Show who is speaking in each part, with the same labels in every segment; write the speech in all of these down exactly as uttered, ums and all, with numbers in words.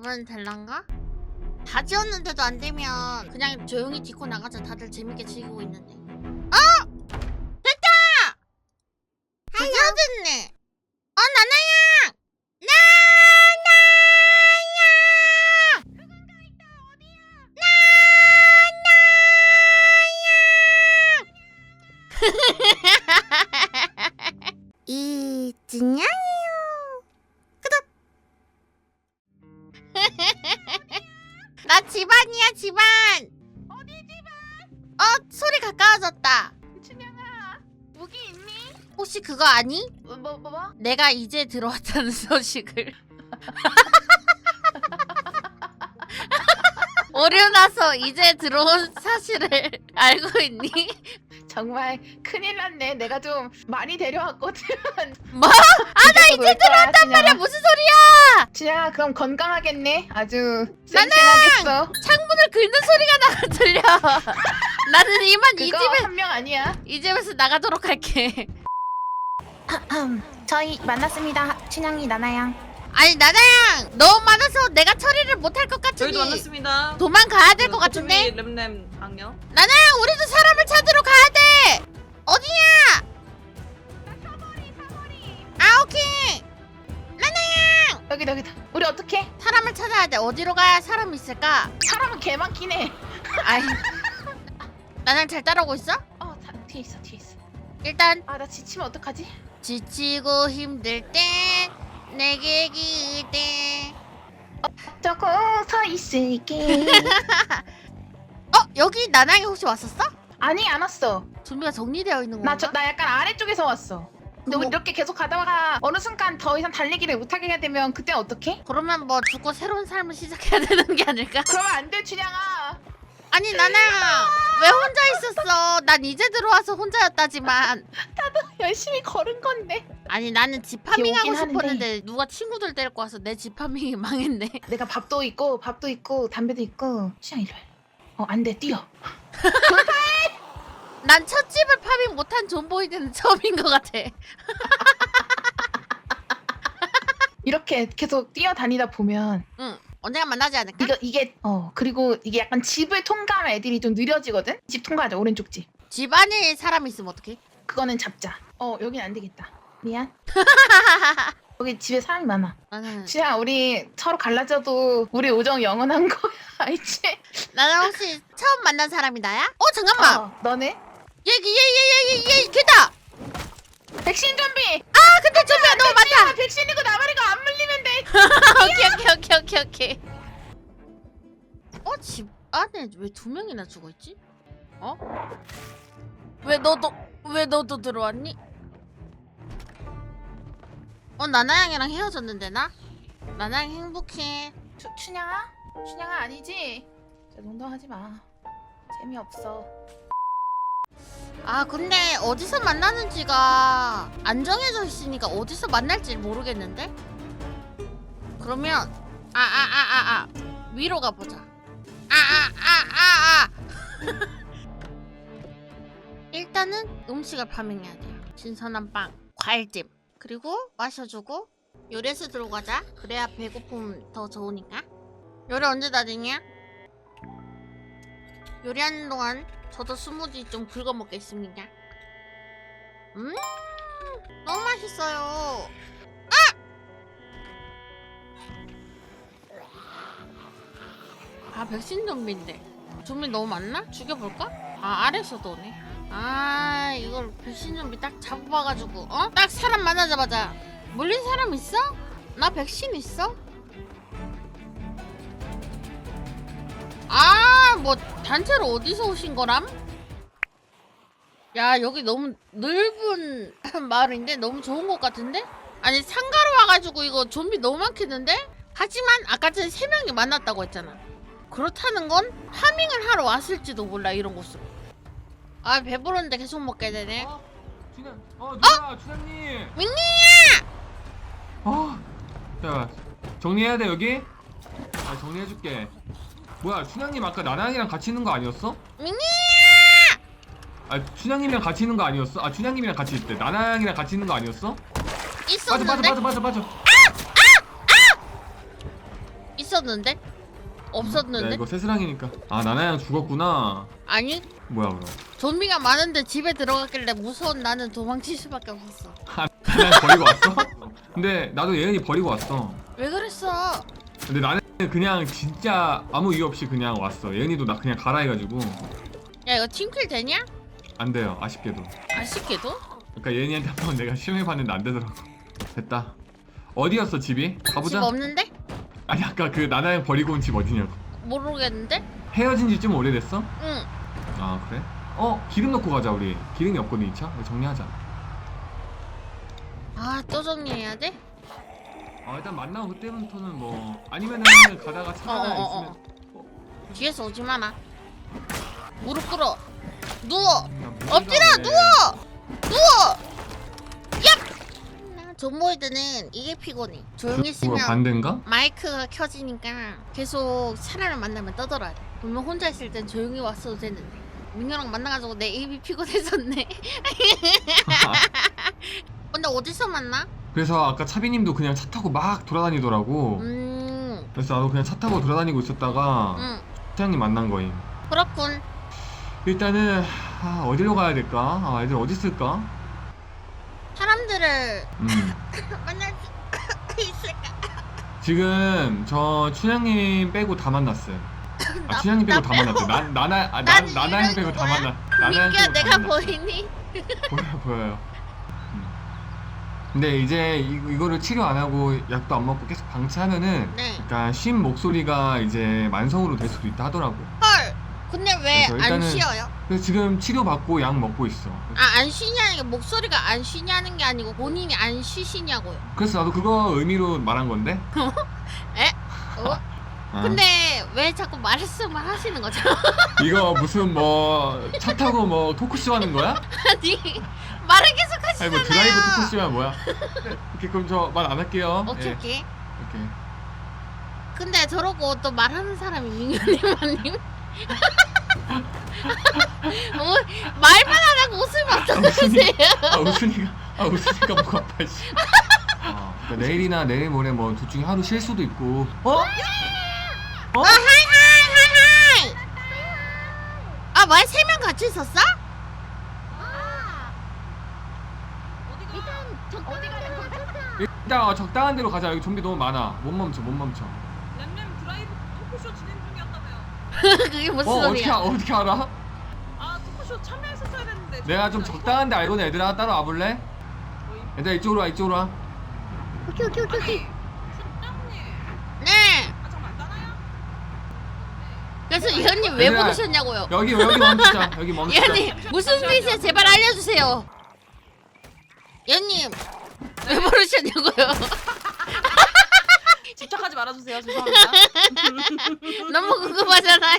Speaker 1: 이번엔 될란가? 다 지웠는데도 안 되면 그냥 조용히 디코 나가자. 다들 재밌게 즐기고 있는데. 어! 됐다! 드디어 됐네. 어, 나나야! 나나야! 누군가 있다. 어디야? 나나야! 이진양이요. 끄덕. 나 집안이야, 집안. 어디 집안? 어, 소리 가까워졌다.
Speaker 2: 춘향아, 무기 있니?
Speaker 1: 혹시 그거 아니?
Speaker 2: 뭐, 뭐, 뭐? 뭐?
Speaker 1: 내가 이제 들어왔다는 소식을. 오류 나서 이제 들어온 사실을 알고 있니?
Speaker 2: 정말 큰일 났네. 내가 좀 많이 데려왔거든.
Speaker 1: 뭐? 아, 나 이제 들어왔단 말이야. 무슨 소리야?
Speaker 2: 춘향아, 그럼 건강하겠네. 아주 쌩쌩하겠어.
Speaker 1: 창문을 긁는 소리가 나가 들려. 나는 이만 이
Speaker 2: 그거
Speaker 1: 집에
Speaker 2: 한 명 아니야.
Speaker 1: 이 집에서 나가도록 할게.
Speaker 2: 저희 만났습니다. 춘향이 나나양.
Speaker 1: 아니 나나양 너무 많아서 내가 처리를 못할 것 같으니
Speaker 3: 저희도 만났습니다.
Speaker 1: 도망가야 될 것 같은데.
Speaker 3: 램램 악녀.
Speaker 1: 나나양 우리도 사람을 찾으러 가야 돼. 어디냐? 아 오케이. 나나양
Speaker 2: 여기다 여기다. 우리 어떻게?
Speaker 1: 사람을 찾아야 돼. 어디로 가야 사람이 있을까?
Speaker 2: 사람은 개 많긴 해.
Speaker 1: 아이 나나양 잘 따라오고 있어?
Speaker 2: 어, 다, 뒤에 있어 뒤에 있어.
Speaker 1: 일단
Speaker 2: 아, 나 지치면 어떡하지?
Speaker 1: 지치고 힘들 땐 내게 기대.
Speaker 2: 조금 서 있을게.
Speaker 1: 어 여기 나나양이 혹시 왔었어?
Speaker 2: 아니, 안 왔어.
Speaker 1: 좀비가 정리되어 있는 건가?
Speaker 2: 나, 저, 나 약간 아래쪽에서 왔어. 근데 우리
Speaker 1: 뭐-
Speaker 2: 이렇게 계속 가다가 어느 순간 더 이상 달리기를 못하게 하게 되면 그때 어떡해?
Speaker 1: 그러면 뭐 죽고 새로운 삶을 시작해야 되는 게 아닐까?
Speaker 2: 그러면 안 돼, 춘향아.
Speaker 1: 아니 나나야 왜 혼자 있었어? 난 이제 들어와서 혼자였다지만.
Speaker 2: 열심히 걸은 건데.
Speaker 1: 아니 나는 집 파밍하고
Speaker 2: 오긴
Speaker 1: 싶었는데
Speaker 2: 하는데.
Speaker 1: 누가 친구들 데리고 와서 내 집 파밍이 망했네.
Speaker 2: 내가 밥도 있고 밥도 있고 담배도 있고. 춘향 이리 와. 어, 안 돼, 뛰어.
Speaker 1: 난 첫 집을 파밍 못한 존보이드는 처음인 것 같아.
Speaker 2: 이렇게 계속 뛰어다니다 보면
Speaker 1: 응 언젠가 만나지 않을까?
Speaker 2: 이거 이게 어 그리고 이게 약간 집을 통과하면 애들이 좀 느려지거든. 집 통과하자, 오른쪽 집.
Speaker 1: 집 안에 사람이 있으면 어떡해?
Speaker 2: 그거는 잡자. 어, 여긴 안 되겠다. 미안. 여기 집에 사람이 많아.
Speaker 1: 나는
Speaker 2: 춘향, 우리 서로 갈라져도 우리 우정 영원한 거야. 알지?
Speaker 1: 나는 혹시 처음 만난 사람이 나야? 어 잠깐만
Speaker 2: 어, 너네?
Speaker 1: 얘기 얘얘얘얘얘 걔다.
Speaker 2: 백신 좀비.
Speaker 1: 아 근데 좀비가 너무 많다.
Speaker 2: 아, 백신이고 나발이고 안 물리면 돼.
Speaker 1: 오케이 오케이 오케이 오케이 오케이. 어? 집 안에 왜 두 명이나 죽어있지? 어? 왜 너도 왜 너도 들어왔니? 어 나나양이랑 헤어졌는데 나? 나나양 행복해.
Speaker 2: 추, 춘향아? 춘향아 아니지? 저 농담하지 마. 재미없어.
Speaker 1: 아 근데 어디서 만나는지가 안 정해져 있으니까 어디서 만날지 모르겠는데? 그러면 아 아 아 아 아 위로 가보자. 아 아 아 아 아 일단은 음식을 파밍해야 돼요. 신선한 빵, 과일찜, 그리고 마셔주고 요리해서 들어가자. 그래야 배고픔 더 좋으니까. 요리 언제 다 되냐? 요리하는 동안 저도 스무디 좀 긁어 먹겠습니다. 음, 너무 맛있어요. 아! 아 백신 좀비인데 좀비 너무 많나? 죽여볼까? 아 아래서도 오네. 아 이걸 백신 좀비 딱 잡아가지고 어? 딱 사람 만나자마자 물린 사람 있어? 나 백신 있어? 아 뭐 단체로 어디서 오신 거람? 야 여기 너무 넓은 마을인데 너무 좋은 것 같은데? 아니 상가로 와가지고 이거 좀비 너무 많겠는데? 하지만 아까 전에 세 명이 만났다고 했잖아. 그렇다는 건 파밍을 하러 왔을지도 몰라 이런 곳으로. 아 배부른데 계속 먹게 되네.
Speaker 4: 어? 춘향, 어 누나, 춘향님.
Speaker 1: 민니야!
Speaker 4: 어, 자 정리해야 돼 여기. 아 정리해줄게. 뭐야, 춘향님 아까 나나양이랑 같이 있는 거 아니었어?
Speaker 1: 민니야!
Speaker 4: 아 춘향님이랑 같이 있는 거 아니었어? 아 춘향님이랑 같이 있대. 나나양이랑 같이 있는 거 아니었어? 빠져 빠져
Speaker 1: 있었는데?
Speaker 4: 빠져 빠져 빠져.
Speaker 1: 없었는데? 없었는데?
Speaker 4: 야, 이거 새스랑이니까. 아 나나양 죽었구나.
Speaker 1: 아니
Speaker 4: 뭐야 그럼?
Speaker 1: 좀비가 많은데 집에 들어갔길래 무서운 나는 도망칠 수밖에 없었어.
Speaker 4: 나나양 버리고 왔어? 근데 나도 예은이 버리고 왔어.
Speaker 1: 왜 그랬어?
Speaker 4: 근데 나는 그냥 진짜 아무 이유 없이 그냥 왔어. 예은이도 나 그냥 가라 해가지고
Speaker 1: 야 이거 팀킬 되냐?
Speaker 4: 안 돼요. 아쉽게도.
Speaker 1: 아쉽게도?
Speaker 4: 그러니까 예은이한테 한번 내가 시험해봤는데 안 되더라고. 됐다. 어디였어 집이? 가보자.
Speaker 1: 집 없는데?
Speaker 4: 아니 아까 그 나나양 버리고 온 집 어디냐고.
Speaker 1: 모르겠는데?
Speaker 4: 헤어진 지 좀 오래됐어?
Speaker 1: 응.
Speaker 4: 아 그래? 어 기름 넣고 가자 우리. 기름이 없거든 이 차. 이거 정리하자.
Speaker 1: 아 또 정리해야 돼?
Speaker 4: 아 일단 만나고 그때부터는 뭐 아니면은 가다가 차
Speaker 1: 어,
Speaker 4: 하나
Speaker 1: 어, 어,
Speaker 4: 있으면
Speaker 1: 뒤에서 오지 마라. 무릎 꿇어. 누워.
Speaker 4: 음, 나
Speaker 1: 엎드려
Speaker 4: 그래.
Speaker 1: 누워. 누워. 얍. 존보이드는 이게 피곤해. 조용히
Speaker 4: 그, 뭐야
Speaker 1: 있으면
Speaker 4: 반대인가?
Speaker 1: 마이크가 켜지니까 계속 사람을 만나면 떠들어야 돼. 분명 혼자 있을 땐 조용히 왔어도 되는데 민규랑 만나가지고 내 입이 피곤해졌네. 근데 어디서 만나?
Speaker 4: 그래서 아까 차비님도 그냥 차 타고 막 돌아다니더라고.
Speaker 1: 음,
Speaker 4: 그래서 나도 그냥 차 타고 돌아다니고 있었다가
Speaker 1: 음,
Speaker 4: 차장님 만난 거임.
Speaker 1: 그렇군.
Speaker 4: 일단은 아, 어디로 가야 될까? 아 애들 어디 있을까?
Speaker 1: 사람들을
Speaker 4: 음.
Speaker 1: 만날 수 있을까?
Speaker 4: 지금 저 춘향님 빼고 다 만났어요. 아
Speaker 1: 나-
Speaker 4: 춘향님 빼고
Speaker 1: 나
Speaker 4: 다 만났대. 난 나나 아, 난
Speaker 1: 난
Speaker 4: 나나양
Speaker 1: 이런
Speaker 4: 빼고 다
Speaker 1: 거야?
Speaker 4: 만났. 나나양
Speaker 1: 민규야
Speaker 4: 빼고 다
Speaker 1: 내가
Speaker 4: 만났어.
Speaker 1: 보이니?
Speaker 4: 보여 보여요. 음. 근데 이제 이, 이거를 치료 안 하고 약도 안 먹고 계속 방치하면은
Speaker 1: 네.
Speaker 4: 약간 쉰 목소리가 이제 만성으로 될 수도 있다 하더라고.
Speaker 1: 헐. 근데 왜
Speaker 4: 그래서
Speaker 1: 안
Speaker 4: 일단은-
Speaker 1: 쉬어요?
Speaker 4: 그래서 지금 치료 받고 약 먹고 있어.
Speaker 1: 아 안 쉬냐는 게 목소리가 안 쉬냐는 게 아니고 본인이 안 쉬시냐고요.
Speaker 4: 그래서 나도 그거 의미로 말한 건데.
Speaker 1: 에? 어?
Speaker 4: 아,
Speaker 1: 근데 왜 자꾸 말씀을 하시는 거죠?
Speaker 4: 이거 무슨 뭐 차 타고 뭐 토크쇼 하는 거야?
Speaker 1: 아니 말을 계속
Speaker 4: 아니
Speaker 1: 하시잖아요.
Speaker 4: 뭐 드라이브 토크쇼야 뭐야? 오케이 그럼 저 말 안 할게요.
Speaker 1: 오케이
Speaker 4: 예,
Speaker 1: 오케이.
Speaker 4: 오케이.
Speaker 1: 근데 저러고 또 말하는 사람이 민규님 아님? 어, 말만 안 하고 웃으면 어떡하세요?
Speaker 4: 아 웃으니까 아 웃으니까 목 아파 씨. 아, 그러니까 내일이나 내일 모레 뭐 둘 중에 하루 쉴 수도 있고. 어? 어?
Speaker 1: 아 하이 하이 하이 하이. 아 뭐야 세 명 같이 있었어?
Speaker 4: 일단 어, 적당한 데로 가자. 여기 좀비 너무 많아. 못 멈춰 못 멈춰.
Speaker 3: 램램 드라이브 토크쇼 진행 중이었다며요.
Speaker 1: 그게 무슨
Speaker 4: 어 어떻게
Speaker 1: 소리야?
Speaker 4: 아- 어떻게 알아?
Speaker 3: 아 토크쇼 참여했었어야 됐는데.
Speaker 4: 내가 좀 적당한 데 알거든. 얘들아 따라와 볼래? 얘들아 이쪽으로 와 이쪽으로 와.
Speaker 5: 오케이 오케이 오케이 오케이.
Speaker 3: 춘장님.
Speaker 1: 네.
Speaker 3: 아 잠깐 나나요?
Speaker 1: 그래서 이현님 왜
Speaker 4: 얘들아,
Speaker 1: 부르셨냐고요?
Speaker 4: 여기 여기 멈추자. 여기 멈추자.
Speaker 1: 이현님 무슨 뜻이야? 제발 알려주세요. 이현님 왜 부르셨냐고요?
Speaker 3: 집착하지 말아주세요. 죄송합니다.
Speaker 1: 너무 궁금하잖아요.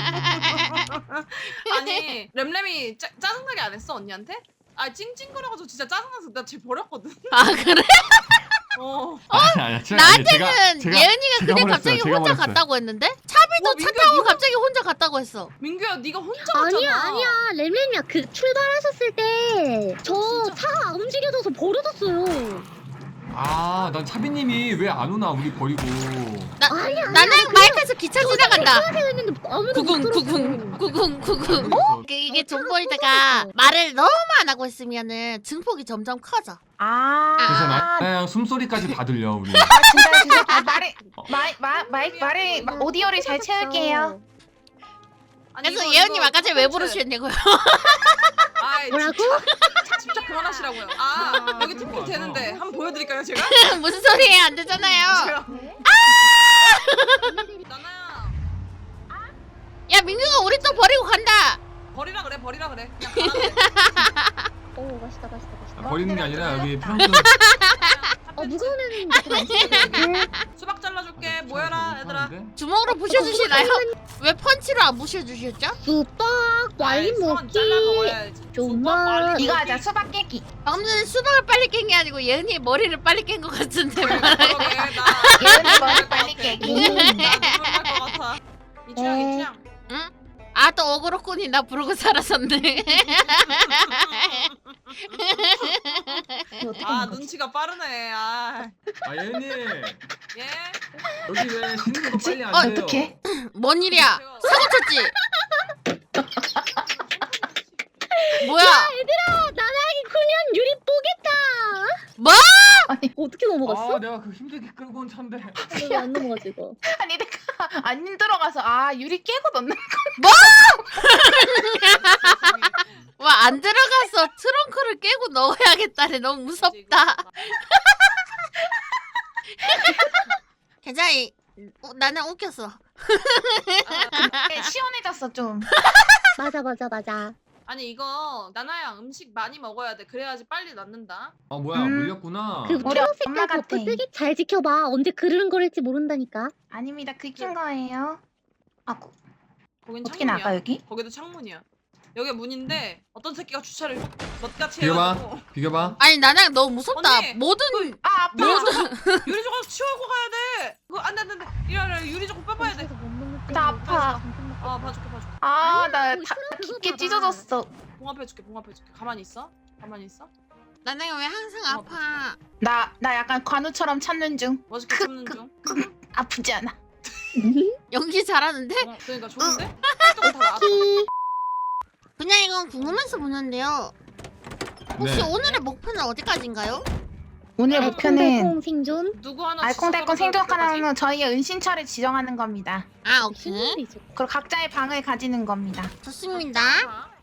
Speaker 3: 아니 램램이 짜, 짜증나게 안 했어 언니한테? 아 찡찡거려가지고 진짜 짜증나서 나 쟤 버렸거든.
Speaker 1: 아 그래?
Speaker 3: 어.
Speaker 4: 아니, 아니, 제가- 아니, 제가-
Speaker 1: 나한테는
Speaker 4: 제가-
Speaker 1: 예은이가
Speaker 4: 제가
Speaker 1: 그냥
Speaker 4: 버렸어요.
Speaker 1: 갑자기
Speaker 4: 제가
Speaker 1: 혼자
Speaker 4: 버렸어요.
Speaker 1: 갔다고 했는데 차비도
Speaker 3: 어,
Speaker 1: 차
Speaker 3: 민규야,
Speaker 1: 타고
Speaker 3: 니가-
Speaker 1: 갑자기 혼자 갔다고 했어.
Speaker 3: 민규야 네가 혼자 갔잖아.
Speaker 5: 아니야 아니야 램램이야 그 출발하셨을 때 저
Speaker 3: 진짜?
Speaker 5: 차가 안 움직여져서 버려졌어요.
Speaker 4: 아, 난 차비님이 왜 안 오나 우리 버리고.
Speaker 1: 나
Speaker 5: 아니야, 아니야,
Speaker 1: 나는
Speaker 5: 그냥
Speaker 1: 마이크에서 기차 지나간다.
Speaker 5: 하세요 했는데 아무도
Speaker 1: 구궁
Speaker 5: 못
Speaker 1: 구궁
Speaker 5: 들었어.
Speaker 1: 구궁 구궁.
Speaker 4: 어?
Speaker 1: 그 이게
Speaker 5: 어, 차가
Speaker 1: 존보이드가
Speaker 5: 부서졌어.
Speaker 1: 말을 너무 안 하고 있으면은 증폭이 점점 커져.
Speaker 2: 아.
Speaker 4: 그래서 나 그냥 숨소리까지 다 들려 우리.
Speaker 2: 아 진짜 진짜 아, 말이 마이 마 마이 말이 마- 오디오를 잘 채울게요.
Speaker 3: 아니,
Speaker 1: 그래서
Speaker 3: 이거-
Speaker 1: 예은님
Speaker 3: 이거
Speaker 1: 아까 전에 왜
Speaker 3: 콘텐츠.
Speaker 1: 부르셨냐고요?
Speaker 3: 아이,
Speaker 5: 뭐라고?
Speaker 3: 집착, 집착 그만하시라고요. 아
Speaker 4: 아,
Speaker 3: 여기
Speaker 4: 그거
Speaker 3: 팀킬
Speaker 4: 맞아.
Speaker 3: 되는데 한번 보여드릴까요 제가?
Speaker 1: 무슨 소리예요? 안 되잖아요.
Speaker 3: 제가. 나나야
Speaker 1: 야 민규가 우리 또 버리고 간다.
Speaker 3: 버리라 그래 버리라 그래. 그냥 가라 그래.
Speaker 5: 오 맛있다 맛있다 맛있다.
Speaker 4: 아, 버리는 게 아니라 여기 트렁크.
Speaker 5: 어 무거운 애는 이렇게 맛있어.
Speaker 3: 수박 잘라줄게. 모여라 얘들아.
Speaker 1: 주먹으로 부셔주시나요? 왜 펀치로 안 부셔주셨죠?
Speaker 5: 수박
Speaker 3: 아이,
Speaker 5: 와인
Speaker 3: 수박 잘라
Speaker 5: 먹기.
Speaker 3: 먹어야지.
Speaker 5: 정말.
Speaker 3: 수박 빨리
Speaker 2: 이거
Speaker 3: 먹기.
Speaker 2: 하자 수박 깨기.
Speaker 1: 방금 전에 수박을 빨리 깬 게 아니고 예은이의 머리를 빨리 깬 것 같은데.
Speaker 3: 그러게, 나
Speaker 2: 예은이 머리 빨리 깨기.
Speaker 3: 나 눈물 날것 같아. 이 취향 이 취향.
Speaker 1: 응? 아 또 어그로꾼이 나 부르고 살았었네.
Speaker 2: 이거 어떻게
Speaker 3: 아
Speaker 2: 하는 거지?
Speaker 3: 눈치가 빠르네. 아
Speaker 4: 아 예은님
Speaker 3: 예.
Speaker 4: 여기 왜 씻는 거 빨리 안
Speaker 1: 어,
Speaker 4: 돼요?
Speaker 2: 어떡해?
Speaker 1: 뭔 일이야?
Speaker 3: 제가-
Speaker 1: 사고 쳤지? 뭐야?
Speaker 5: 얘들아 나나기 구년 유리 뽀겠다.
Speaker 1: 뭐?
Speaker 2: 아니,
Speaker 5: 어떻게 넘어갔어?
Speaker 4: 아 내가 그 힘들게 끌고 온 차인데.
Speaker 5: 왜안 넘어가지 이거?
Speaker 2: 아니 내가 안 들어가서 아 유리 깨고 넣는
Speaker 1: 와, 안 들어가서 트렁크를 깨고 넣어야겠다네. 너무 무섭다. 괜찮아. 이- 어, 나는 웃겼어.
Speaker 2: 게 시원해졌어 좀.
Speaker 5: 맞아 맞아 맞아.
Speaker 3: 아니 이거 나나야 음식 많이 먹어야 돼. 그래야지 빨리 낫는다.
Speaker 4: 아 뭐야
Speaker 2: 음.
Speaker 4: 물렸구나.
Speaker 5: 그
Speaker 2: 우리
Speaker 5: 초록색깔
Speaker 2: 엄마 같아.
Speaker 5: 버프 뜨기 잘 지켜봐. 언제 그르릉거릴지 모른다니까.
Speaker 2: 아닙니다. 긁힌 거예요. 아 고-
Speaker 3: 거긴
Speaker 2: 어떻게
Speaker 3: 창문이야.
Speaker 2: 나가 여기?
Speaker 3: 거기도 창문이야. 여기 문인데 어떤 새끼가 주차를 넛같이
Speaker 4: 비켜봐.
Speaker 3: 해가지고
Speaker 4: 비켜봐.
Speaker 1: 아니, 나는 너무 무섭다.
Speaker 3: 언니!
Speaker 1: 모든
Speaker 2: 아 아파.
Speaker 3: 유리 조각 치우고 가야 돼. 그거 안돼 안돼 안돼. 이래라 유리 조각 빼봐야 돼.
Speaker 2: 나 아파.
Speaker 3: 아 봐줄게 봐줄게.
Speaker 2: 아나
Speaker 5: 아니야,
Speaker 2: 깊게
Speaker 5: 봐봐.
Speaker 2: 찢어졌어.
Speaker 3: 봉합해줄게 봉합해줄게. 가만히 있어. 가만히 있어.
Speaker 1: 나는 왜 항상
Speaker 3: 어,
Speaker 1: 아파?
Speaker 2: 나 나 약간 관우처럼 찾는 중.
Speaker 3: 멋있게
Speaker 2: 크,
Speaker 3: 참는
Speaker 2: 크.
Speaker 3: 중.
Speaker 2: 아프지 않아.
Speaker 1: 연기 잘하는데?
Speaker 3: 어, 그러니까 좋은데? 활동 다 나왔어.
Speaker 1: 그냥 이건 궁금해서 보는데요. 혹시
Speaker 4: 네.
Speaker 1: 오늘의 목표는 어디까지인가요?
Speaker 2: 오늘 목표는
Speaker 5: 콩 생존.
Speaker 3: 누구 하나
Speaker 2: 알콩달콩
Speaker 3: 지적하면
Speaker 2: 생존하는 저희의 은신처를 지정하는 겁니다.
Speaker 1: 아, 오케이.
Speaker 5: 신문이죠.
Speaker 2: 그리고 각자의 방을 가지는 겁니다.
Speaker 1: 좋습니다.
Speaker 3: 아,